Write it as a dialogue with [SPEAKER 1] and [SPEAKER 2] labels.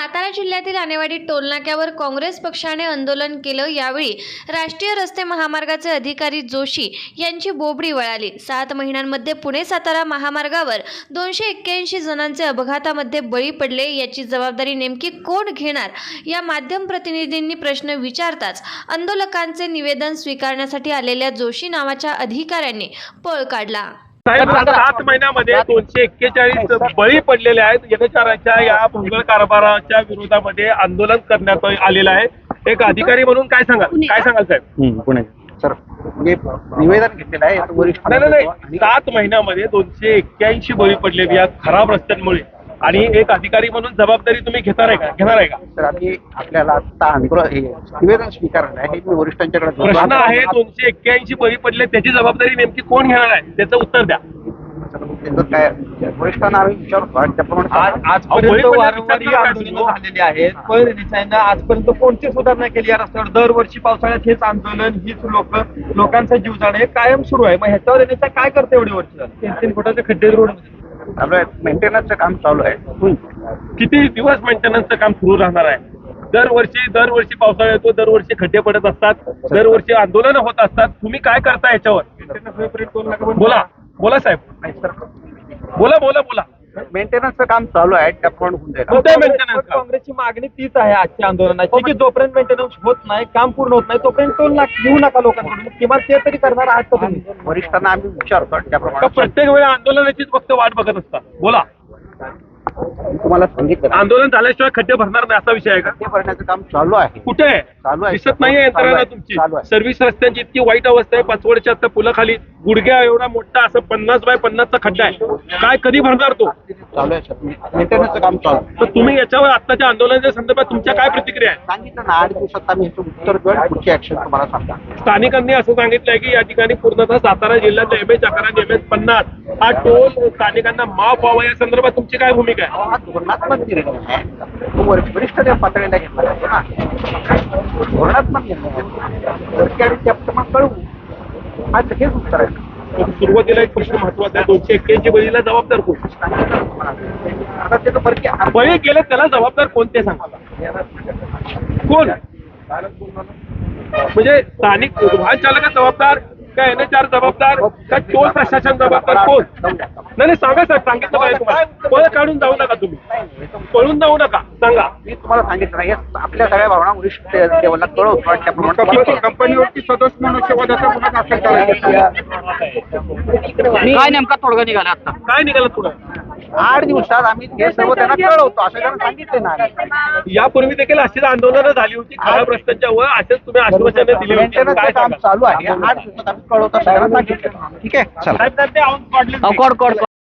[SPEAKER 1] सातारा जिल्ह्यातील आनेवाडी टोलनाक्यावर काँग्रेस पक्षाने आंदोलन केलं। यावेळी राष्ट्रीय रस्ते महामार्गाचे अधिकारी जोशी यांची बोबडी वळाली। 7 महिन्यांमध्ये पुणे सातारा महामार्गावर 281 जणांचे अपघातामध्ये बळी पडले। याची जबाबदारी नेमकी कोण घेणार, या माध्यम प्रतिनिधींनी प्रश्न विचारताच आंदोलकांचे निवेदन स्वीकारण्यासाठी आलेल्या जोशी नावाच्या अधिकाऱ्यांनी पळ काढला।
[SPEAKER 2] साहेब, 7 महिन्यामध्ये 241 बळी पडलेले आहेत। यथाचाराच्या या भोंगळ कारभाराच्या विरोधामध्ये आंदोलन करण्यात आलेलं आहे। एक अधिकारी म्हणून काय सांगाल साहेब?
[SPEAKER 3] पुणे सर, मी निवेदन घेतलेलं आहे वरिष्ठ।
[SPEAKER 2] नाही, 7 महिन्यामध्ये 281 बळी पडलेले या खराब रस्त्यांमुळे, आणि एक अधिकारी म्हणून जबाबदारी तुम्ही घेणार आहे का?
[SPEAKER 3] सर, आम्ही आपल्याला आता निवेदन स्वीकारलं आहे, हे मी वरिष्ठांच्याकडे
[SPEAKER 2] प्रश्न आहे। 281 बळी पडले, त्याची जबाबदारी नेमकी कोण घेणार आहे, त्याचं उत्तर द्या।
[SPEAKER 3] काय वरिष्ठांना आम्ही विचारतो त्याप्रमाणे
[SPEAKER 4] आजपर्यंत वारंवार आंदोलनं झालेली आहेत, पण देसाईंना आजपर्यंत कोणती सुधारणा केली या रस्त्यावर? दरवर्षी पावसाळ्यात हेच आंदोलन, हीच लोकांचा जीव जाणं हे कायम सुरू आहे। मग ह्याच्यावर देसाई काय करते? एवढी वर्ष 3-3 फुटाचे खड्डे रोड
[SPEAKER 3] चालू आहे, मेंटेनन्सचं काम चालू आहे।
[SPEAKER 2] किती दिवस मेंटेनन्सचं काम सुरू राहणार आहे? दरवर्षी पावसाळा येतो, दरवर्षी खड्डे पडत असतात, दरवर्षी आंदोलन होत असतात। तुम्ही काय करता याच्यावर? बोला साहेब, बोला।
[SPEAKER 3] मेंटेनन्सचं काम चालू आहे, त्याप्रमाणे होऊन जाईल।
[SPEAKER 2] कोणत्या मेंटेनन्स?
[SPEAKER 4] काँग्रेसची मागणी तीच आहे आजच्या आंदोलनाची, की जोपर्यंत मेंटेनन्स होत नाही, काम पूर्ण होत नाही, तोपर्यंत टोल घेऊ नका लोकांकडून। किमान ते तरी करणार आहात का तुम्ही?
[SPEAKER 3] वरिष्ठांना आम्ही विचारतो त्याप्रमाणे।
[SPEAKER 2] प्रत्येक वेळी आंदोलनाचीच फक्त वाट बघत असतात? बोला,
[SPEAKER 3] तुम्हाला सांगितलं
[SPEAKER 2] आंदोलन झाल्याशिवाय खड्डे भरणार नाही असा विषय आहे का?
[SPEAKER 3] ते भरण्याचं काम चालू आहे।
[SPEAKER 2] कुठे आहे?
[SPEAKER 3] चालू आहे,
[SPEAKER 2] दिसत नाहीये यंत्रणा तुमची?
[SPEAKER 3] चालू आहे।
[SPEAKER 2] सर्व्हिस रस्त्यांची इतकी वाईट अवस्था आहे। पाचवडच्या आता पुलाखाली गुडघ्या एवढा मोठा असं 50 बाय 50चा खड्डा आहे। काय कधी भरणार तो?
[SPEAKER 3] चालू आहे सर, मेंटेनन्सचं काम चालू आहे।
[SPEAKER 2] तर तुम्ही याच्यावर आताच्या आंदोलनाच्या संदर्भात तुमच्या काय प्रतिक्रिया आहे?
[SPEAKER 3] सांगितलं ना, 8 दिवसात आम्ही ह्याचं उत्तर देऊ आणि पुढची ऍक्शन तुम्हाला सांगा।
[SPEAKER 2] स्थानिकांनी असं सांगितलंय की या ठिकाणी पूर्णतः सातारा जिल्ह्यात MS11 MS50 हा टोल स्थानिकांना माफ व्हावा, या संदर्भात तुमची काय भूमिका आहे?
[SPEAKER 3] हा धोरणात्मक निर्णय आहे, तो वरिष्ठ पातळीला घेतला जातो ना। धोरणात्मक निर्णय कळवू, आज हेच उत्तर आहे।
[SPEAKER 2] सुरुवातीला एक प्रश्न महत्वाचा आहे, 281 बळीला जबाबदार कोण?
[SPEAKER 3] आता त्याचं परकी
[SPEAKER 2] बळी गेले त्याला जबाबदार कोण ते सांगा? कोण म्हणजे स्थानिक वाहन चालक जबाबदार का NHR जबाबदार का टोल प्रशासन जबाबदार? कोण? नाही सांगा सर, सांगितलं पाहिजे तुम्हाला। पळ काढून जाऊ नका, तुम्ही पळून जाऊ नका, सांगा।
[SPEAKER 3] मी तुम्हाला सांगितलं नाही, आपल्या सगळ्या भावना वरिष्ठ लेवलला कळवतो त्याप्रमाणे।
[SPEAKER 4] कंपनीवरती सदस्य मनुष्यवधाचा गुन्हा दाखल करायचा काय नेमका तोडगा निघाला? आता
[SPEAKER 2] काय निघालं पुढं?
[SPEAKER 3] 8 दिवसात आम्ही हे सर्व त्यांना कळवतो असं त्यांना सांगितले ना।
[SPEAKER 2] यापूर्वी देखील अशीच आंदोलनं झाली होती खऱ्या प्रश्नांच्या वर, असेच तुम्ही आश्वासने दिली होती।
[SPEAKER 3] मेंटेनन्सचं काम चालू आहे, 8 दिवसात आम्ही कळवतो असं त्यांना सांगितलं। ठीक आहे, चला।